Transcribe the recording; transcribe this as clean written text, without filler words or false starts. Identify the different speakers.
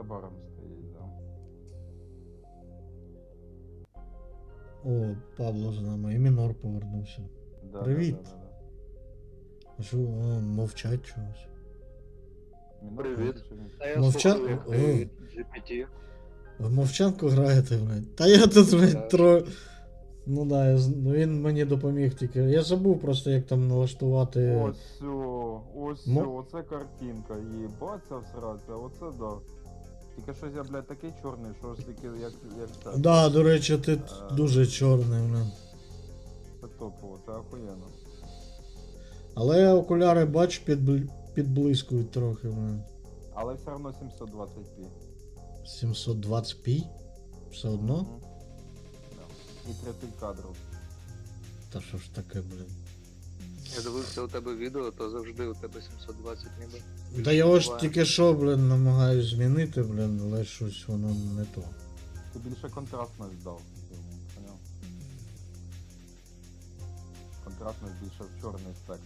Speaker 1: баром стоїть, да.
Speaker 2: О, Павло з нами, і Мінор повернувся.
Speaker 1: Да,
Speaker 2: Привіт.
Speaker 1: Да, да, да.
Speaker 2: А що, о, мовчать чогось.
Speaker 1: Мінор
Speaker 3: Привіт.
Speaker 1: чи він?
Speaker 3: А я
Speaker 2: Мовча-
Speaker 3: слухаю, як
Speaker 2: О.
Speaker 3: ти GPT.
Speaker 2: В мовчанку граєте, блядь. Та я тут, блядь,
Speaker 3: Так.
Speaker 2: Ну да, ну він мені допоміг тільки. Я забув просто, як там налаштувати.
Speaker 1: Ось, ось, оце картинка, їбаться всратися, оце да. Тільки щось я, блядь, такий чорний, що ж тільки як це.
Speaker 2: Да, до речі, ти дуже чорний, блядь.
Speaker 1: Це топово, це охуєнно.
Speaker 2: Але окуляри, бач, підблискують трохи, блядь.
Speaker 1: Але все одно 720p.
Speaker 2: 720p? Все одно?
Speaker 1: Мгм. Да. І 30 кадрів.
Speaker 2: Та що ж таке, блядь.
Speaker 3: Я дивився у тебе відео, то завжди у тебе 720 ніби.
Speaker 2: Та його ж
Speaker 3: Буває.
Speaker 2: тільки що, блін, намагаюсь змінити, блін, але щось воно не то.
Speaker 1: Ти більше контрастність дав. Поняв? Контрастність більше в чорний спектр.